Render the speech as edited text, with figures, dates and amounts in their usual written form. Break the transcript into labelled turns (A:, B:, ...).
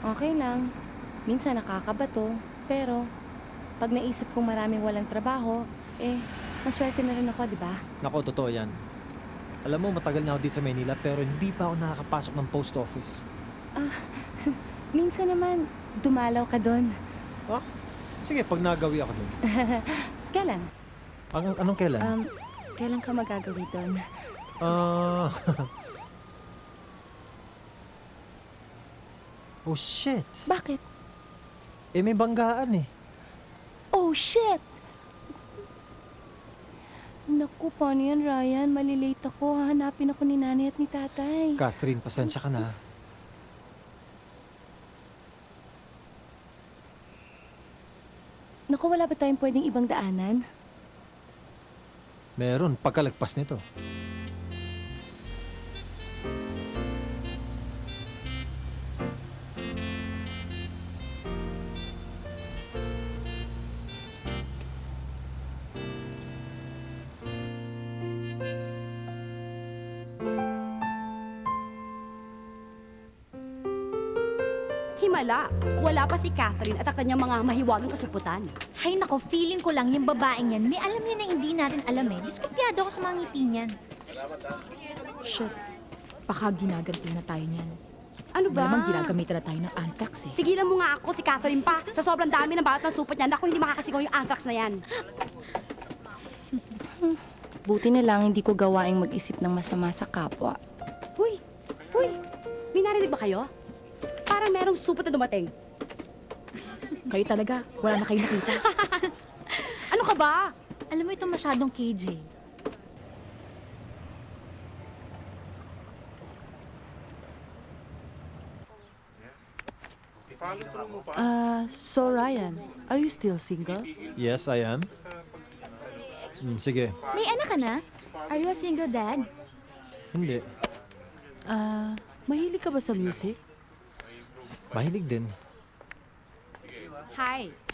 A: Okay lang. Minsan nakakabato. Pero, pag naisip kong maraming walang trabaho, maswerte na rin ako, di ba?
B: Nako, totoo yan. Alam mo, matagal na ako dito sa Maynila pero hindi pa ako nakakapasok ng post office.
A: Minsan naman, dumalaw ka doon.
B: Ah, sige, pag nagawi ako dun.
A: Kailan?
B: Anong kailan?
A: Kailan ka magagawi doon?
B: Ah... oh, shit.
A: Bakit?
B: May banggaan eh.
A: Oh, shit! Naku, paano yan, Ryan? Malilate ako. Hahanapin ako ni nanay at ni tatay.
B: Catherine, pasensya ka na.
A: Naku, wala ba tayong pwedeng ibang daanan?
B: Meron, pagkalagpas nito.
C: Himala, wala pa si Catherine at ang kanyang mga mahiwagang kasuputan.
D: Hay nako, feeling ko lang yung babaeng yan, may alam niya na hindi natin alam eh. Diskumpiyado ako sa mga ngiti niyan.
E: Shit. Baka ginaganti na tayo niyan.
C: Ano ba?
E: Malamang ginagamitan na tayo ng anthrax eh.
C: Tigilan mo nga ako si Catherine pa. Sa sobrang dami ng balat ng supot niya, naku, hindi makakasigaw yung anthrax na yan.
A: Buti na lang hindi ko gawaing mag-isip ng masama sa kapwa.
C: Huy, may narinig ba kayo? Parang merong supot na dumating.
E: Kayo talaga, wala na kayo nakita.
C: Ano ka ba?
D: Alam mo ito masyadong KJ.
F: So Ryan, are you still single?
B: Yes, I am. Sige.
D: May anak ka na? Are you a single dad?
B: Hindi.
F: Mahilig ka ba sa music?
B: Mahilig din.
C: Hi,